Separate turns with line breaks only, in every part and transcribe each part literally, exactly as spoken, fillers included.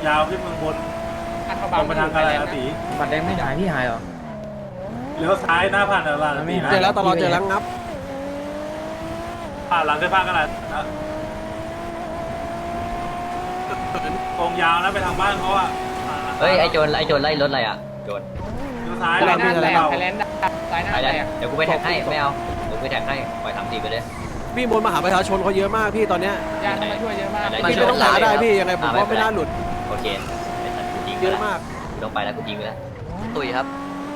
ยาวขึ้นเมืองบนตรงไปทางกาลาสี
บัตรแดงไม่หายพี่หายเหรอ
เลี้ยวซ้ายหน้าผ่านกาลาสีนะ
เจอแล้วตลอดเจอแล้วงับ
ผ่านหลังได้ผ่านกาลานะตรงยาวนะไปทางบ้านเขาอ่ะ
เฮ้ยไอโจรไอโจรไล่รถอะไรอ่ะโจร
เลี้ยวซ้าย
ไทยแลนด์
ไทยแลนด์
ไทยแลนด์ซ้ายหน้า
ไปเลยเดี๋ยวกูไปแท็กให้ไม่เอาเดี๋ยวกูไปแท็กให้ปล่อยสามสี่ไปเลย
พี่บนมหาประชาชนเขาเยอะมากพี่ตอนเนี้ย
ญาติมาช่วยเยอะมาก
พี่ไม่ต้องหาได้พี่ยังไงผมว่าไม่น่าหลุด
โอเคยิง
เยอะมาก
กูต้องไปแล้วกูยิงไปแล้วตุยครับ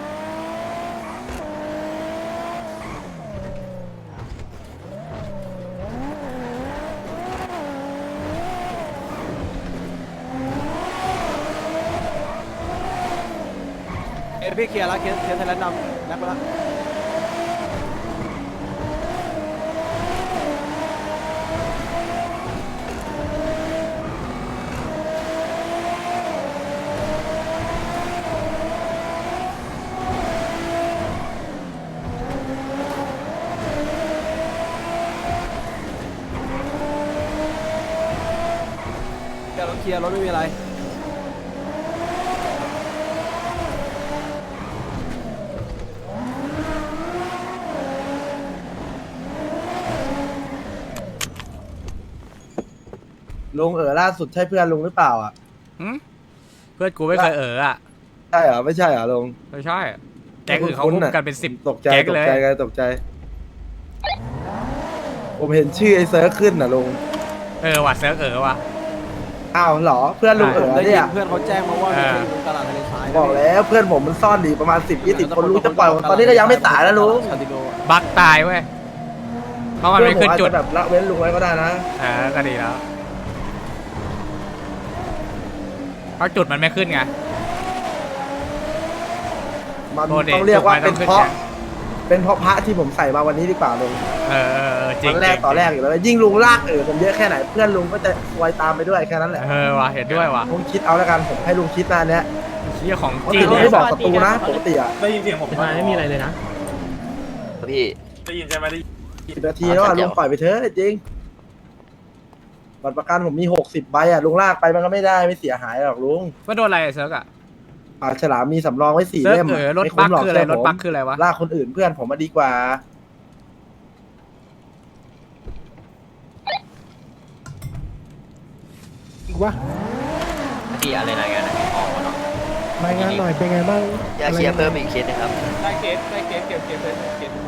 เอ้พี่เคลียร์แล้วเคลียร์เคลียร์ไทยแลนด์ดำแลกไปแล้วเดี๋ยวเราเคลียร์รถไม่มีอะไร
ลุงเอ๋อล่าสุดใช่เพื่อนลุงหรือเปล่าอ่ะ
เพื่อนกูไม่เคยเอออ่ะ
ใช่เหรอไม่ใช่เหรอลุง
ไม่ใช่แก๊งอื่นเขาพุ่งกันเป็นสิบ
ตกใจ
แก๊ง
ตก
เลย
ใจกันตกใจผมเห็นชื่อไอ้เซิร์ฟขึ้นน่ะลุง
เออว่ะเซิร์ฟเออว่ะ
อ้าวเหรอเพื่อนลุงเอ๋อเนี่ย
เพื่อนเขาแจ้งมาว่ามีคนตลาดทะเลทราย
บอกแล้วเพื่อนผมมันซ่อนดีประมาณสิบยี่สิบคนลุงจะปล่อยตอนนี้ก็ยังไม่ตายแล้วลุง
บักตายเว้ยเพราะมันไม่ขึ้นจุด
แบบละเว้นลุงไว้ก็ได้นะ
เออก็ดีแล้วเพราะจุดมันไม่ขึ้นไง
มันต้องเรียกว่าเป็นเพราะเป็นเพราะพระที่ผมใส่มาวันนี้ดีกว่าลุง
เออเออจริง
ตอนแรกต่อแรกอยู่แล้วยิ่งลุงลากเออผมเยอะแค่ไหนเพื่อนลุงก็จะซวยตามไปด้วยแค่นั้นแหละ
เออว่ะเห็นด้วยว่ะ
ผมคิดเอาแล้วกันผมให้ลุงคิดนะเนี้ย
เชี่ยของ
จริงไม่บอกศัตรูนะปกติอ่ะ
ได้ยินเสียงผม
ไม่มีอะไรเลยนะ
พี่
ได้ยินใช่ไหมได้
สิบนาทีแล้วลุงปล่อยไปเถอะจริงบัตรประกันผมมีหกสิบใบอ่ะลุงลากไปมันก็ไม่ได้ไม่เสียหายหรอกลุง
ว่าโดนอะไรเซิร์กอ่ะ
ปากฉลามมีสำรองไว้สี่เล่ม
เออรถบัคคืออะไรรถบัคคืออะไรวะ
ลากคนอื่นเพื่อนผมมาดีกว่า
อีกวะ
พี่อะไรรายงานออกมาเนาะ
รายงานหน่อยเป็นไงบ้าง
อยากเคลียร์เพิ่มอีกเคสนะครับ
ได้เคสได้เคสเก็บเก็บเลยเก็บ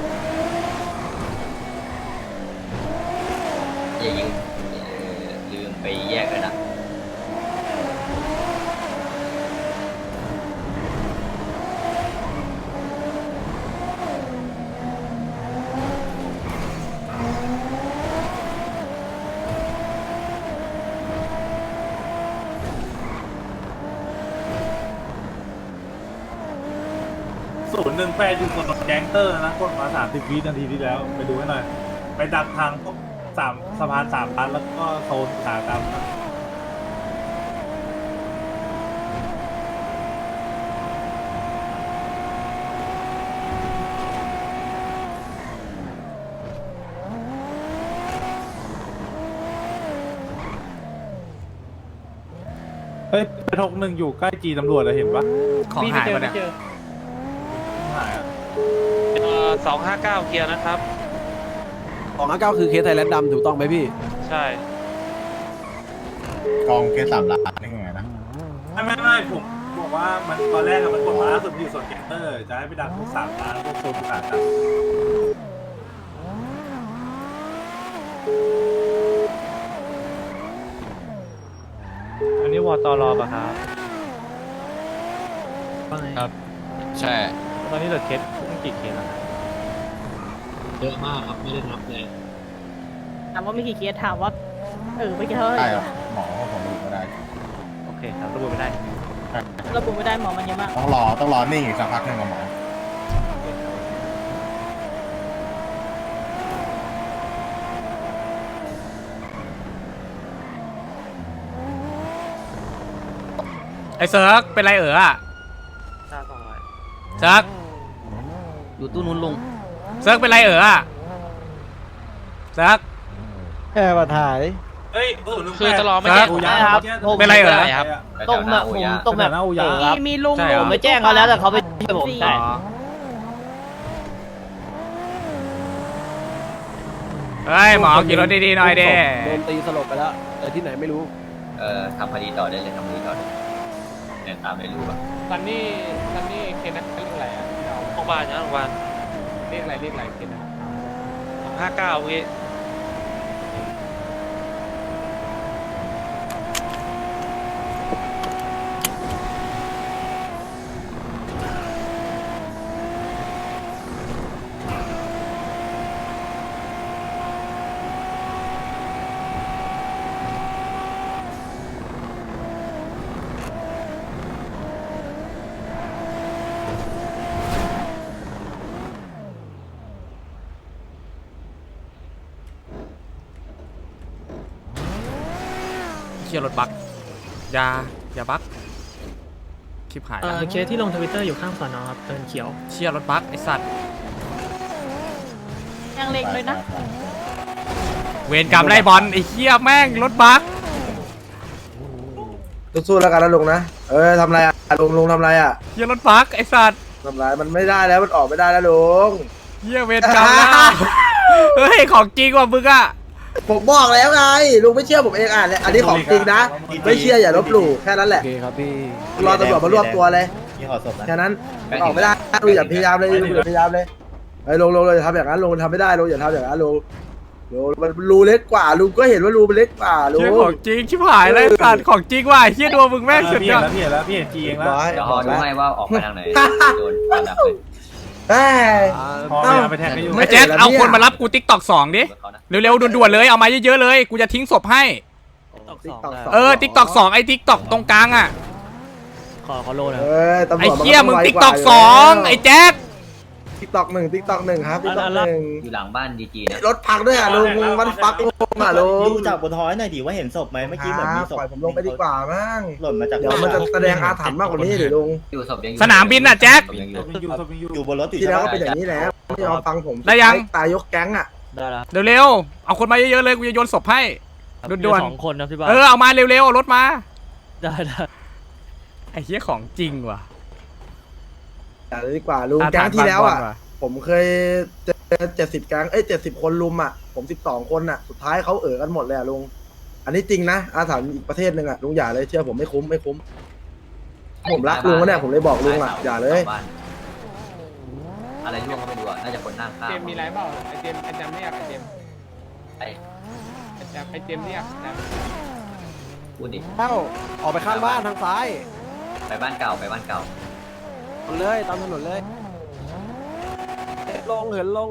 อย่ายิงลืมไปแยกเลยนะ
ศูนย์หนึ่งแปดอยู่บนแก๊งเตอร์นะกดมาสามสิบวินาทีที่แล้วไปดูให้หน่อยไปดักทางพวกสามสะพานสามพันแล้วก็โซนขากรรมเฮ้ยไปทกหนึ่งอยู่ใกล้จีตำรวจเลยเห็นปะ
ของหายไปเนี่ย
หายอ่ะ
สองห้าเก้าเกียร์นะครับ
สองห้าเก้าคือเคสไทยแลนด์ดำถูกต้องไหมพี่
ใช่
กองเคสสามล้านนี่ไงนะ
ไม่ไม่ไม่ผมบอกว่ามันตอนแรกมันกดมาล่าสุดอยู่ส่วนแกนเตอร์จะให้ไปดักพวกสามล้านพวกโซนต่างๆ
อันนี้วอตอรอป่ะครับ
ครับใช่
ตอนนี้เหลือเคสกี่เคสแล้ว
เยอะมากครับไม่ได้นับเลย
ถามว่ามีกี่เคสถามว่าเออไม่กี่เท่าไหร่
ได้หมอผมระบุไม่ได้
โอเคครับระบุไม่ได้
ระบุไม่ได้หมอมันเยอะมาก
ต้องรอต้องรอนิ่งอีกสักพักหนึ่งกับหมอ
ไอเซิร์กเป็นไรเอออ่ะเซิร์ก
อยู่ตู้นู้นลุง
เซิร์กเป็นไรเอออ่ะเซิร์ก
แค่มาถ่าย
เฮ้ยศูนย์หนึ่งแปด
คือตลอดไม่
ค
ใช่
รับ
อูยา
ครับ
เป็นไรเหรอ
ครับ
ตรงแบบผมตรงแบบ
มีมีลุง
ใช่เหรอ
ผมไปแจ้งเขาแล้วแต่เขาไปช่วยผม
อ๋อเฮ้ยหมอขี่รถดีๆหน่อยเด้
โดนตีสลบไปแล้วแต่ที่ไหนไม่รู้
เอ่อทำคดีต่อได้เลยทำคดีต่อได้เดินตามไม่รู้อะ
ซันนี่ซันนี่เคสนั้นเรียกอะไรอ่ะโรงพยาบาลนะโรงพยาบาลเรียกอะไรเรียกอะไรเคสนั้นสองห้าเก้าพี่
เชียร์รถบักอย่าอย่าบักคลิปหาย
เอ
แล้ว
อเคสที่ลงทวิตเตอร์อยู่ข้างสอนอครับเดินเขียว
เชียร์รถบักไอสัตว์
ยังเล็กเลยนะ
เวรกรรมไล่บอลไอเชี่ยแม่งรถบัก
สู้ๆแล้วกันนะลุงนะเออทำไรอ่ะลุงลุงทำไรอ่ะ
เชียร์รถบักไอสัตว์
ทำไรมันไม่ได้แล้วมันออกไม่ได้แล้วลุง
เชี่ยเวรกรรมแล้วเฮ้ยของจริงว่ะมึงอะ
ผมบอกแล้วไงลุงไม่เชื่อผมเองอ่ะเนี่ยอันนี้ของจริงนะไม่เชื่ออย่าลบหลู่แค่นั้นแห
โอ
ละ
เคครับพี่
รอตำรวจมารวบตัวเลย
ยี่ห้อศพนะ
แค่นั้นออกไม่ได้ลุงอย่าพยายามเลยลุงอย่าพยายามเลยไอ้ยลุงลุงอย่าทำอย่างนั้นลุงทำไม่ได้ลุงอย่าทำอย่างนั้นลุงลุงมันรูเล็กกว่าลุงก็เห็นว่ารูมันเล็กกว่าลุง
เชี่ยของจริงชิบหายเลยไอ้สัตว์ของจริงว่ะไอ้เชี่ยดวงมึงแม่งสุด
พี่
ย
เห็
อน ด
แล้วพี่เห็นแล้วพี่เห็นจีเองแล้ว
ร้อย
เดี๋ยวพอดูให้ว่าออกไปทางไหนโดนฟันดับเลย
เอ้ย
พอพยายามไปแทงให้อยู่
ไม่
ไอ้แจ็คเอาคนมารับกูติ๊กตอกสองดิ
เขานะ
เร็วๆด่วนๆเลยเอามาเยอะๆเลยกูจะทิ้งศพให้ เออติ๊กตอกสองไอ้ติ๊กตอกตรงกลางอ่ะ
ขอขอโลนะ
เอ้ยตำรวจ
ไอ้
น
เชี่ยมึง
ไว
ติ๊ก
ว่า
ตอกสองไอ้แจ็ค
ติ๊กตอกหนึ่งติ๊กตอกหนึ่งครับติ๊กตอกหนึ่ง
อยู่หลังบ้านดีจีนะ
รถพังด้วยอ่ะลุงมันฟักลุงอ่ะลุง
ดูจากบนท้อยหน่อยดิว่าเห็นศพไหมเมื่อกี้เหมือนมีศพ
ปล่อยผมลงไปดีกว่ามั้ง
หล่นมาจาก
เดี๋ยวมันจะแสดงอาถรรพ์มากกว่านี้เดี๋ยวลุง
อยู่ศพยังอยู่
สนามบินน่ะแจ็ค
ศพยังอ
ศ
ยู่
พยังอยู่ศพยังอยู่
อยู่บนรถอยู่
ที่
ใช่
แล้ว
ไหม
ก็เป็นอย่างนี้แหละไม่ยอมฟังผม
ได้ยัง
ตายยกแก๊งอ่ะ
ได้แล้ว
เร็วๆเอาคนมาเยอะๆเลยกูจะโยนศพให้ด่วน
สองคนนะพี่บ้า
ๆเออเอามาเร็วๆเอารถมา
ได้ได้
ไอ้เชี่ยของจริงว่ะ
อย่าเลยดีกว่าลุงแก๊งที่แล้วอ่ะผมเคยเจอเจ็ดสิบแก๊งเอ้ยเจ็ดสิบคนลุมอ่ะผมสิบสองคนอ่ะสุดท้ายเขาเอ๋อกันหมดเลยอ่ะลุงอันนี้จริงนะอาถรรพ์อีกประเทศหนึ่งอ่ะลุงอย่าเลยเชื่อผมไม่คุ้มไม่คุ้มผมรักลุงนะเนี่ยผมเลยบอกลุงอ่ะอย่าเลย
บ้นอะไรร่วงก็ไม่รู้อะน่าจะคนนั่งข้าง
เจมมีไรเปล่าไอเจมไอจำเรียกไอเจม
ไอ้
ไอจำไอเจมเรียกจ
พูดดิ
เอ้าออกไปข้างบ้านทางซ้าย
ไปบ้านเก่าไปบ้านเก่า
ถนนเลยตามถนนเลยเหินลงเหินลง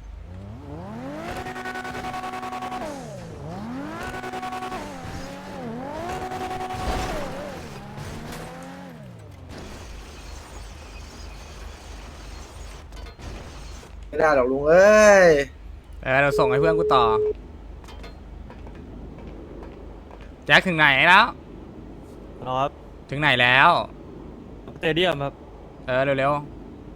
ไม่ได้หรอกลุงเอ้ย
เออเราส่งให้เพื่อนกูต่อแจ็คถึงไหนแล้ว
ครับ
ถึงไหนแล้ว
สเตเดียมครับ
เออเร็ว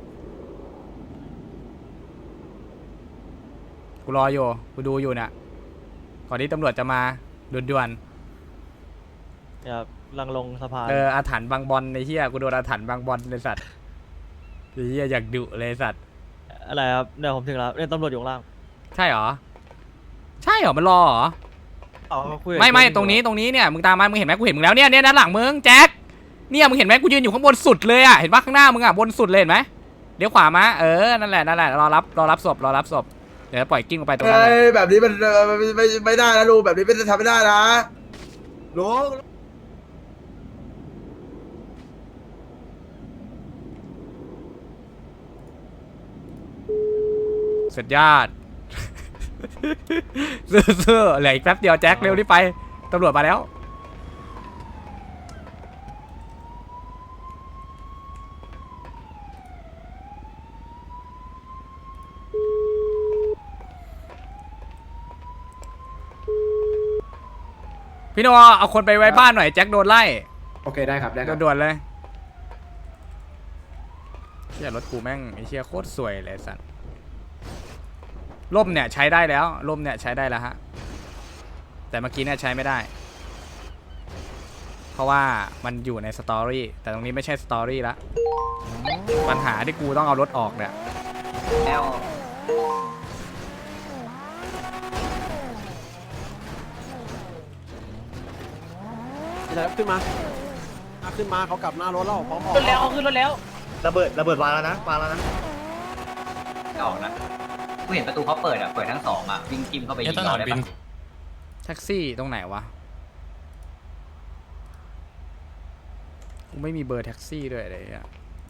ๆกูรออยู่กูดูอยู่น่ะก่อนที่ตำรวจจะมาด่วน
ครับลังลงสะพาน
ๆเอออาถรรพ์บางบอลในเฮียกูโดนอาถรรพ์บางบอลเลยสัตว์ไอ้เฮียอยากดุเลยสัตว์
อะไรครับเนี่ยผมถึงแล้วเนี่ยตำรวจอยู่ข้างล่าง
ใช่เหรอใช่เหรอมันรอเหรอ
อ๋อคุยกับ
ไม่ไม่
เคส
ตรงนี้ตรงนี้เนี่ยมึงตามมามึงเห็นไหมกูเห็นมึงแล้วเนี่ยเนี่ยด้านหลังมึงแจ็คเนี่ยมึงเห็นไหมกูยืนอยู่ข้างบนสุดเลยอ่ะเห็นปะข้างหน้ามึงอ่ะบนสุดเลยเห็นไหมเดี๋ยวขวามาเออนั่นแหละนั่นแหละรอรับรอรับศพรอรับศพเดี๋ยวปล่อยกิ้งลงไปตรงนั้น
เอ้
เลย
ยแบบนี้มันเอ่อไม่ไม่ไม่ได้นะลุงแบบนี้ไม่ได้ทำไม่ได้นะลุง
สุดยอด ซื่อๆเหลืออีกแป๊บเดียวแจ็คเร็วรีบไปตำรวจมาแล้ว พี่โนเอาคนไปไว้บ้านหน่อยแจ็คโดนไล่
โอเคได้ครับได้ครับ
ด่วนๆเลยเชี่ยรถกูแม่งไอ้เชี่ยโคตรสวยเลยสัตว์ร่มเนี่ยใช้ได้แล้วร่มเนี่ยใช้ได้แล้วฮะแต่เมื่อกี้เนี่ยใช้ไม่ได้ เพราะว่ามันอยู่ในสตอรี่แต่ตรงนี้ไม่ใช่สตอรี่ละปัญหาที่กูต้องเอารถออกเนี่ย
แล้ว
แล้วขึ้นมาขึ้นมาเขากลับหน้ารถแล้วพร้อมออก
ขึ้นแล้วขึ้นรถแล้ว
ระเบิดระเบิดวางแล้วนะวางแล้วนะ
ไม่ออกนะกูเห็นประตูเขาเปิดอ่ะเปิดทั้งสองอ่ะวิ่งจิ้มเข้าไปยิงเราได้ปะ
แท็กซี่ตรงไหนวะกูไม่มีเบอร์แท็กซี่ด้วยอะไรอ่ะ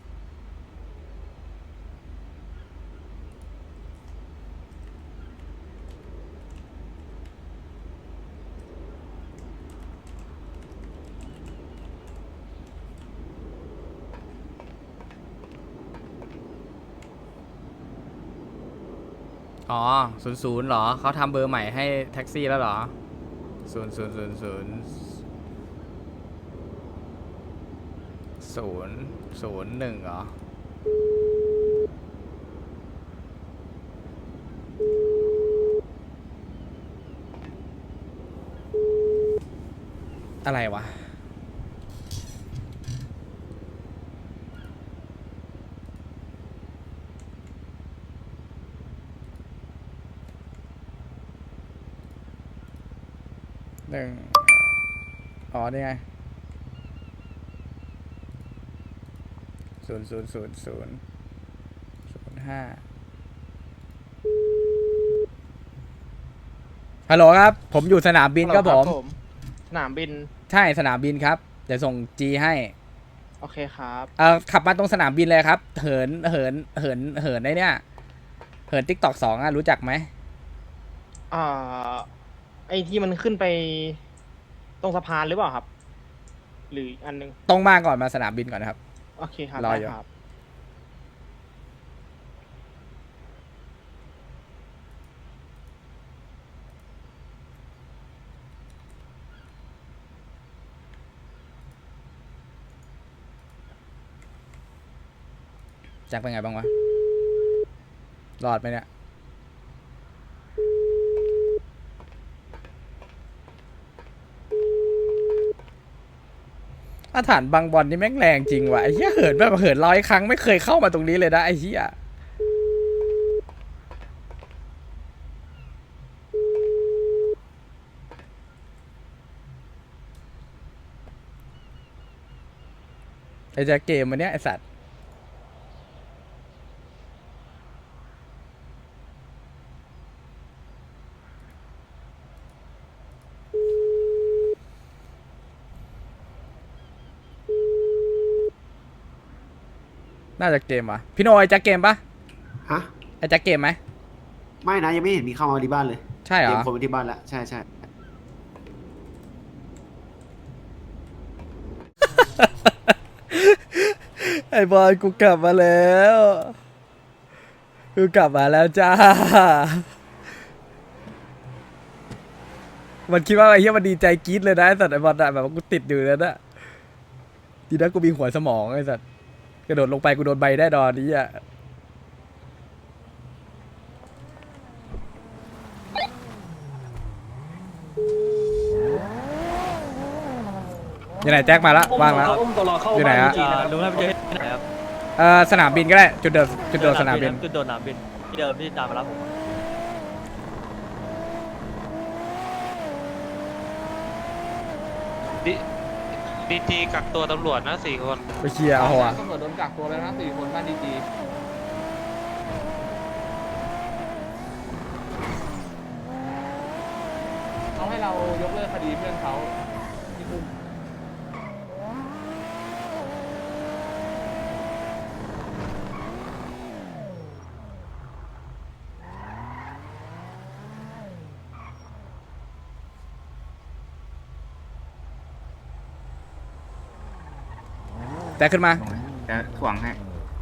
อ๋อศูนย์ศูนย์เหรอเขาทำเบอร์ใหม่ให้แท็กซี่แล้วเหรอศูนย์ศูนย์ศูนย์ศูนย์ศูนย์ศูนย์หนึ่งเหรออะไรวะหนึ่งอ๋อนี่ไงศูนย์ศูนย์ศูนย์ศูนย์ศูนย์ห้าฮัลโหลครับผมอยู่สนามบินครับผม
สนามบิน
ใช่สนามบินครับเดี๋ยวส่งจีให้
โอเคครับ
เอ่อขับมาตรงสนามบินเลยครับเหินเหินเหินเหินได้เนี่ยเหินติ๊กตอกสองอ่ะรู้จักไหม
อ่าไอ้ที่มันขึ้นไปตรงสะพานหรือเปล่าครับ หรืออันนึง
ตรงมาก่อนมาสนามบินก่อนนะครับ
โอเคครับ
รอ
ได้
อยู่
ครับ
แจ็คเป็นไงบ้างวะรอดไหมเนี่ยอาถรรพ์บางบอลนี่แม่งแรงจริงว่ะไอ้เหี้ยเหินแบบเหินร้อยครั้งไม่เคยเข้ามาตรงนี้เลยนะไอ้เหี้ยไอ้แจ็คเกมมันเนี้ยไอ้สัตว์น่าจะเกมวะพี่โนไอ้แจ็คเกมปะ
ฮะ
ไอ้แจ็คเกมไหม
ไม่นะยังไม่เห็นมีเข้ามาที่บ้านเลย
ใช่เหร
เตรีย
อ
มคนไปที่บ้านแล้วใช่ใช่
ไอ้บอลกูกลับมาแล้วกูกลับมาแล้วจ้ามันคิดว่าไอ้เหี้ยมันดีใจกรี๊ดเลยนะไอ้สัตว์ไอ้บอลอะแบบว่ากูติดอยู่แล้วนะทีนั้นกูมีหัวสมองไอ้สัตว์กระโดดลงไปกูโดนใบได้ดอนนี้อ่ะอยู่ไหนแจ็คมาละว่างแล้วอยู่ไหนฮะ
ลุงให้ไปเจอที่ไหนครับ
เอ่อสนามบินก็ได้จุดเดิมจุดโดดสนามบิน
จุดโดดสนามบินที่เดิมที่ตามมารับผม
ดีดีจีกักตัวตำรวจนะสี่คน
ไปเคลียร์เอาหัว
ตำรวจโดนกักตัวแล้วนะสี่คนบ้านดีจี เขาให้เรายกเลิกคดีเพื่อนเขาที่คุม
แจ็คขึ้นมา
จะถ่วงให้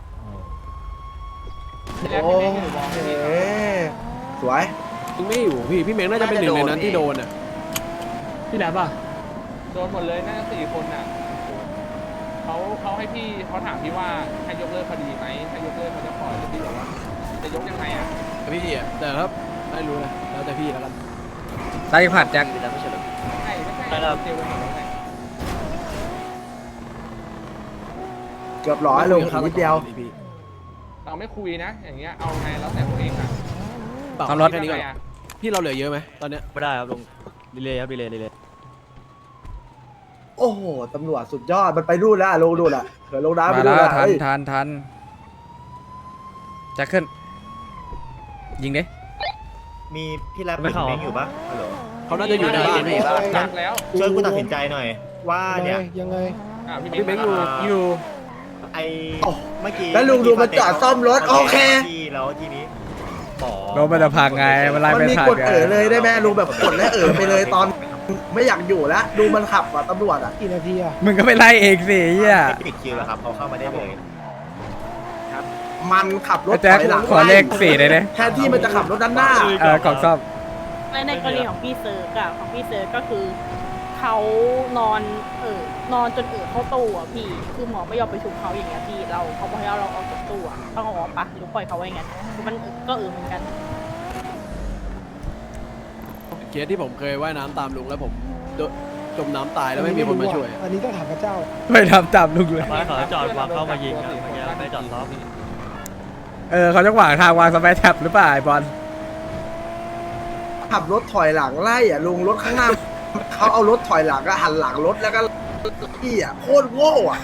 โอ้เฮ้สวย
ยังไม่อยู่พี่พี่เมงน่าจะเป็นหนึ่งในนั้นที่โดนอ่ะ
ที่ไหนป่ะ โดนหมดเลยน่าจะสี่คนน่ะเขาเขาให้พี่เขาถามพี่ว่าให้ยกเลิกคดีไหมถ้ายกเลิกเขาจะปล่อยหรือพี่บอกว่าจะยกยังไงอ่ะ
พี่อ่ะแต่ครับไม่รู้นะแล้วแต่พี่แล้วกัน
สตายผัดแจ็ค
ไม่ใช่ไม่ใช่เหรอ
ใช่ไม่ใช่
ใช่ครับ
เจลไปหมดแล้วไง
เกือบร้อยลุงอีกนิดเดียว
เราไม่คุยนะ อย่างเงี้ยเอาไงแล้วแต่ตัวเองอ่ะ
ทำรถ
แค่นี้ก่อน
พี่เราเหลือเยอะไหมตอนเนี้ย
ไม่ได้ครับลุงดีเลยครับดีเลยดีเลย
โอ้โหตำรวจสุดยอดมันไปรูดแล้วลุงดูดอ่ะเผื่อลงน้ำไป
มา
ดู
แล้ว
นะ
ทัน
เฮ้ย
ทันทันแจ็คขึ้นยิงดิ
มีพี่แรปเป็นเม้งอยู่ปะฮัลโหล
เขาน่าจะอยู่ในบ้านพี่
จักแล้ว
ช่วยกูตัดสินใจหน่อย ว่า
ยังไง
เนี่ย
ยังไง
อ่ะพี่
พี่
เม้
เม้
ง
งอยู่อยู่
ไอเมื่อกี้
แล้วลุงดูมันจอดซ่อมรถโอเค
ที่แล้วทีนี้หมอ
รถมันจะพังไงมันไล่
มัน
ไม่
มี
ทัน
กด
ไง
เอ๋อเลยได้ไหมลุงแบบกดและเอ๋อไปเลยตอนไม่อยากอยู่แล้วดูมันขับอ่ะตำรวจอ่ะ
กี่นาทีอ่ะ
มึงก็ไปไล่เองสิเฮีย
ปิดคิวแล้วครับเขาเข้ามาได้เลย
มันขับรถ
ไอ้แจ็ค
ถอยหลัง
ขอเลขสี่เลยเนี่ย
แทนที่มันจะขับรถด้านหน้า
เออกล่องซ่อม
ในในกรณีของพี่เซิร์กอะของพี่เซิร์กก็คือเขานอนเออนอนจนเออเข้าตู้อะพี่คือหมอไม่ยอมไปชุบเขาอย่างเงี้ยพี่เราเขาบอกให้เราออกจากตู้อะต้องเอาออกปะหรือปล่อยเขาไว้อย่างงั้นคือมันก็เออเหมือนกัน
เคสที่ผมเคยว่ายน้ำตามลุงแล้วผมโดนจมน้ำตายแล้วไม่มีคนมาช่วย
อันนี้ต้องถามพระเจ้า
ไม่ทำตามลุงเลย
มาขอจอดวางเข้ามายิงครับเมื่อกี้ไม่จอดซ้อม
เออเขาจะขวางทางวางสเปซแท็บหรือเปล่าไอ้บอล
ขับรถถอยหลังไล่อ่ะลุงรถข้างหน้า เขาเอารถถอยหลังก็หันหลังรถแล้วก็พี่อ่ะโคตรโง่อ่ะ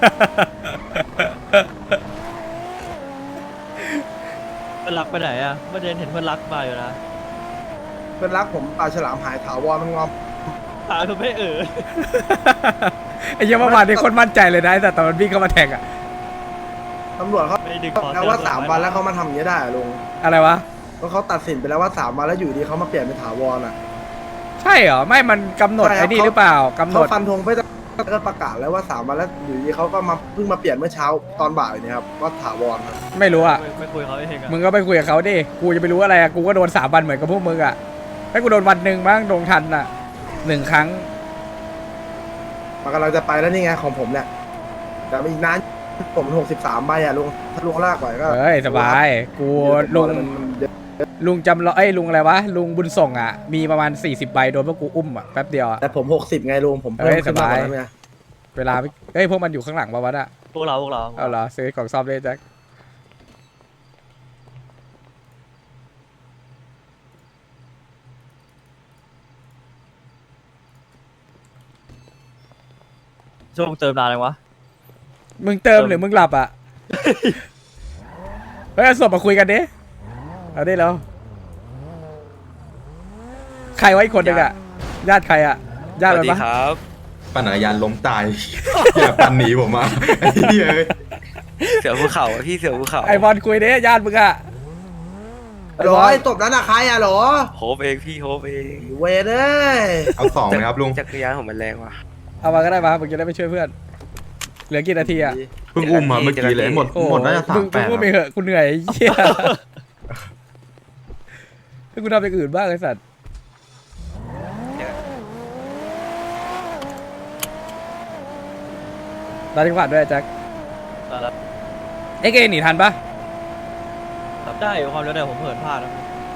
เพื่อนรักไปไหนอ่ะเมื่อเดือนเห็นเพื่อนรักมาอยู่นะ
เพื่อนรักผมปลาฉลามหายถาวรมันงอม
หาไม่เออ
ไอ้เหี้ยเมื่อวานนี้คนมั่นใจเลยนะแต่ตอนมันวิ่งเข้ามาแทงอะ
ตำรวจเขา
ไม่ดึงคอ
แล้วว่าสามวันแล้วเขามาทำอย่างนี้ได้อะลุง
อะไรวะ
เพราะเขาตัดสินไปแล้วว่าสามวันแล้วอยู่ดีเขามาเปลี่ยนเป็นถาวรอ่ะ
ใช่เหรอไม่มันกำหนด
ใช่ครับ
ไอ้นี่หรือเปล่ากำหน
เขา
ด
ฟันธงไปแล้วก็ประกาศแล้วว่าสามวันแล้วอยู่ดีเขาก็มาเพิ่งมาเปลี่ยนเมื่อเช้าตอนบ่ายเนี่ยครับว่าถาวรครับ
ไม่รู้อะ
ไม่ไม่คุยเขาเองอ่ะ
มึงก็ไปคุยกับเขาดิกูจะไปรู้อะไรอะกูก็โดนสามวันเหมือนกับพวกมึงอะให้กูโดนวันหนึ่งบ้างโดนทันอะหนึ่งครั้ง
มันกำลังจะไปแล้วนี่ไงของผมเนี่ยแต่อีกนานผมหกสิบสามใบอ่ะลุงถ้าลุงลากไหวก็
เฮ้ยสบายกูลุง
มันมันเยอะ
ลุงจำเราเอ้ยลุงอะไรวะลุงบุญส่งอะมีประมาณสี่สิบใบโดนพวกกูอุ้มอะแป๊บเดียวอะ
แต่ผมหกสิบไงลุงผมเพิ่ม
เฮ้ย
ขึ้นมากกว่า
สบาย
นั้นไง
เวลาไม่เฮ้ยพวกมันอยู่ข้างหลังปะวะอะ
พวกเราพวกเรา
เอาเหรอซื้อกล่องซ่อมเลยแจ็ค
ช่วงเติมนานเลยวะ
มึงเติมหรือมึงหลับอะ เฮ้ยเอาศพมาคุยกันดิเอาดิแล้วใครไว้อีกคนหนึ่งอะญาติใครอะญาติมันปะ
ปั่นจักรยานล้มตาย อย่าปั่นหนีผมมาไอ้เหี้ยเอ้ย
เสือภูเขาพี่เสือภูเขา
ไอบอลคุยดิญาติมึงอะไอ้
หร
บ
อ
อล
ไอ้ตบนั้นอะใครอะหรอ
โฮปเองพี่โฮปเอง
เวรเอ้ย
เอาสองนะครับลุง
จักรยานผมมันแรงว่ะ
เอามาก็ได้มามึงจะได้ไปช่วยเพื่อนเหลือกี่นาทีอะ
เพิ่งอุ้มมาเมื่อกี้เลยหมด
โอ้
หมดน่าจะสา
มึ
ม
ง
แป
มึง
ด
ก็ไปเหอะกูเหนื่อยไอ้เหี้ยให้กูทำอย่างอื่นบ้างไอ้สัตว์ตาจังหวัดด้วยแจ็คเอ็กเอหนีทันปะ
รับได้อยู่ความเร็วแต่ผมเหินพลาดนะ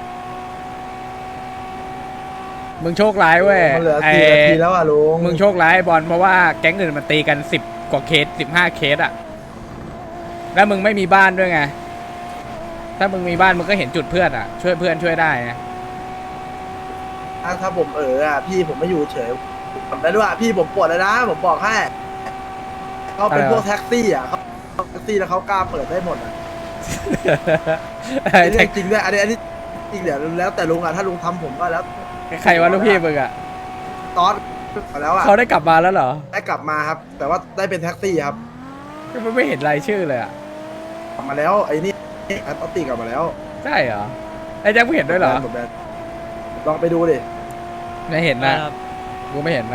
มึงโชคร้ายเว้ย
มันเหลือ
ไอ้
สี่นาทีแล้วอะลุง
มึงโชคร้ายไอ้บอลเพราะว่าแก๊งอื่นมันตีกันสิบกว่าเคสสิบห้าเคสอะแล้วมึงไม่มีบ้านด้วยไงถ้ามึงมีบ้านมึงก็เห็นจุดเพื่อนอะช่วยเพื่อนช่วยได้ไง
ถ้าถ้าผมเอออะพี่ผมไม่อยู่เฉยผมได้ด้วยอะพี่ผมปวดเลยนะผมบอกให้เขาเป็นพวกแท็กซี่อะเขาแท็กซี่แล้วเขากล้าเปิดได้หมดอะ
ไอ้
อันนี้
แท็ก
จริงด้วยอันนี้อันนี้จริงเดี๋ยวแล้วแต่ลุงอะถ้าลุงทำผมก็แล้ว
ใครวะลูกพี่มึงอะ
ตอนแล้วอะ
เขาได้กลับมาแล้วเหรอ
ได้กลับมาครับ แต่ว่าได้เป็นแท็กซี่ครับ
ก็ไม่เห็นรายชื่อเลยอะ
กลับมาแล้วไอ้นี่แอตติกลับมาแล้ว
ใช่เหรอไอ้แจ็คมึงเห็นด้วยเหรอ
หมดแบนลองไปดูดิ
ไม่เห็นนะกูไม่เห็นนะ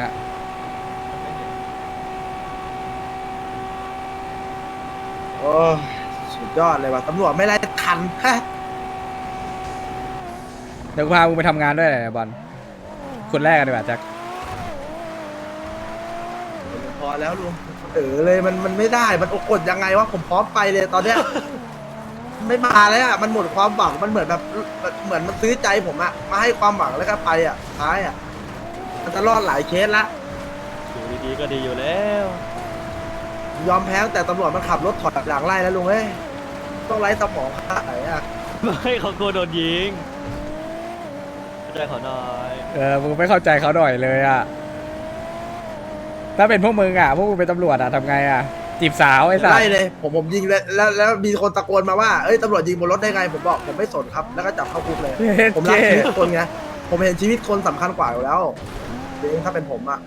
โอ้สุดยอดเลยว่ะตำรวจไม่ไล่ทันฮะ
เดี๋ยวกูพามึงไปทำงานด้วยนะบอลคนแรกกันดีกว่าแจ็ค
พอแล้วลุงเออเลยมันมันไม่ได้มันอกกดยังไงวะผมพร้อมไปเลยตอนเนี้ยไม่มาแล้วอ่ะมันหมดความหวังมันเหมือนแบบเหมือนมันซื้อใจผมอ่ะมาให้ความหวังแล้วก็ไปอ่ะท้ายอ่ะมันจะรอดหลายเคสละ
อยู่ดีๆก็ดีอยู่แล้ว
ยอมแพ้แต่ตำรวจมันขับรถถอดหลังไล่แล้วลุงเอ้ยต้องไล่สมองขนาดไหนอ่ะ
ไม่เขากลัวโดนยิงเข้าใจเขาหน่อย
เออมึงไม่เข้าใจเขาหน่อยเลยอ่ะถ้าเป็นพวกมึงอ่ะพวกมึงเป็นตำรวจอ่ะทำไงอ่ะจีบสาวไอ้สัส
ไล่เลยผมผมยิงเลยแล้วแล้วมีคนตะโกนมาว่าเอ้ยตำรวจยิงบนรถได้ไงผมบอกผมไม่สนครับแล้วก็จับเข้าคุกเลย ผมรักชีวิตคนไงผมเห็นชีวิตคนสำคัญกว่าอยู่แล้วจริงถ้าเป็นผมอ่ะ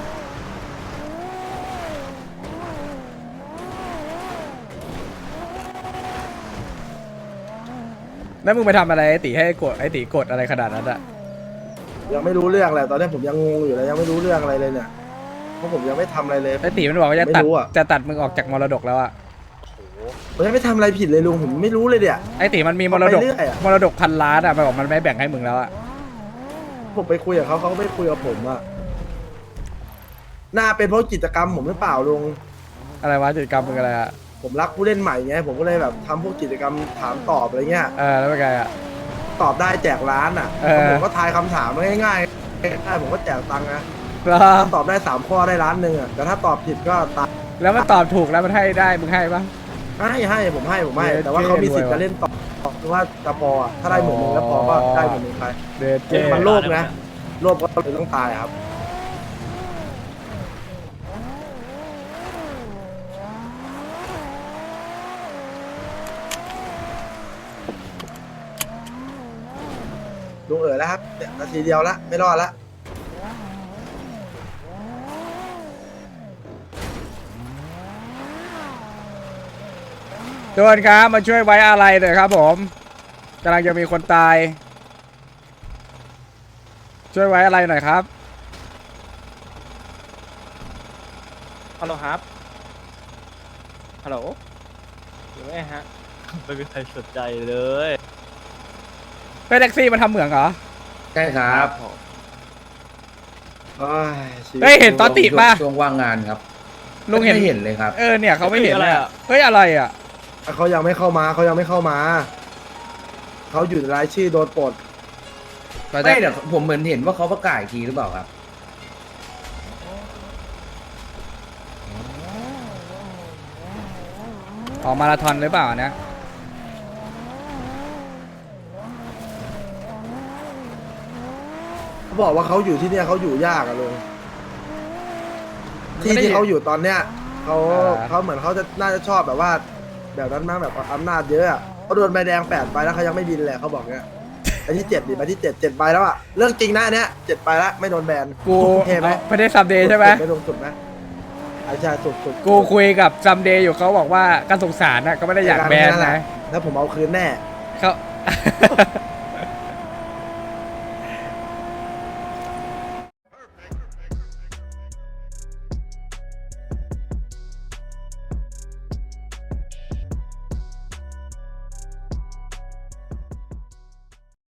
แล้วมึงไปทำอะไรไอ้ตีให้กดไอ้ตีกดอะไรขนาดนั้นอ่ะ
ยังไม่รู้เรื่องเลยตอนนี้ผมยังงงอยู่เลยยังไม่รู้เรื่องอะไรเลยเนี่ยเพราะผมยังไม่ทำอะไรเลย
ไอ้ตีมันบอกว่าจะตัด
ไม่รู้อะ
จะตัดมึงออกจากมรดกแล้วอ่ะ
ผมยังไม่ทำอะไรผิดเลยลุงผมไม่รู้เลยเนี่ย
ไอ้ตีมันมีมรดก
ไปเรื่อยอะ
มรดกพันล้านอ่ะมันบอกมันไม่แบ่งให้มึงแล้วอ่ะ
ผมไปคุยกับเขาเขาก็ไม่คุยกับผมอะน่าเป็นเพราะกิจกรรมผมหรือเปล่าลุง
อะไรวะกิจกรรมมึงอะไรอ่ะ
ผมรักผู้เล่นใหม่ไงผมก็เลยแบบทำพวกกิจกรรมถามตอบอะไรเงี้ย
เออแล้วเป็นไงอ่ะ
ตอบได้แจกร้านอ่ะ
เออ
ผมก็ทายคำถามง่ายๆง่ายๆผมก็แจกตังค์นะ
แล้ว
ถ้าตอบได้สามข้อได้ร้านหนึ่งอ่ะแต่ถ้าตอบผิดก็ตัด
แล้วมันตอบถูกแล้วมันให้ได้มึงให้ปะ
ให้ให้ผมให้ผมให้
เย้
แต่ว่าเขามีสิทธิ์
เท่
จะเล่นต่อหรือว่าจะพออะถ้าได้หมื่นหนึ่งแล้วพอก็ได้หมื่นหนึ่งไป
เดทเจ
มันโลภนะโลภก็เลยต้องตายครับลุงเอ๋อแล้วครับเนี่ยนาทีเดียวละไม่รอดละ
ทุกคนครับมาช่วยไว้อะไรหน่อยครับผมกำลังจะมีคนตาย ช่วยไว้อะไรหน่อยครับ
ฮัลโหลครับฮัลโหลอยู่ไหมฮะ
ไม่มีใครสนใจเลย
ไปแท็กซี่มันทำเหมืองเหรอ
ใช่ครับ
โอ้ยชีวิต
เฮ้ยเห็นตอนติป่ะ
ช่วงว่างงานครับ
ลุงเห็น
ไม่เห็นเลยครับ
เออเนี่ยเขาไม่เห็น
อะไร
เลย
อะ
เฮ้ยอะไรอ่ะ
เขายังไม่เข้ามาเขายังไม่เข้ามาเขาอยู่ในรายชื่อโดนปลด
ไม่เดี๋ยวผมเหมือนเห็นว่าเขาประกาศอีกทีหรือเปล่าครับ
ออกมาราธอนหรือเปล่าเนี่ย
เขาบอกว่าเขาอยู่ที่เนี่ยเขาอยู่ยากอะลุงที่ที่เขาอยู่ตอนเนี้ยเขาเขาเหมือนเขาจะน่าจะชอบแบบว่า แบบนั้นมากแบบอำนาจเยอะอะเขาโดนใบแดงแปดใบแล้วเขายังไม่บินเลยเขาบอกเนี้ยไอ้ที่เจ็ดดิใบที่เจ็ดเจ็ดใบแล้วอะเรื่องจริงนะอันเนี้ยเจ็ดใบแล้วไม่โดนแบน
กู
เท่ไหม
ไม่ได้ซัมเดย์ใช่ไหม
ไม่ลงสุดไหมไอ้ชายสุดสุด
กูคุยกับซัมเดย์อยู่เขาบอกว่าการสงสารนะก็ไม่ได้อยากแบนนะ
แล้วผมเอาคืนแน่
เขา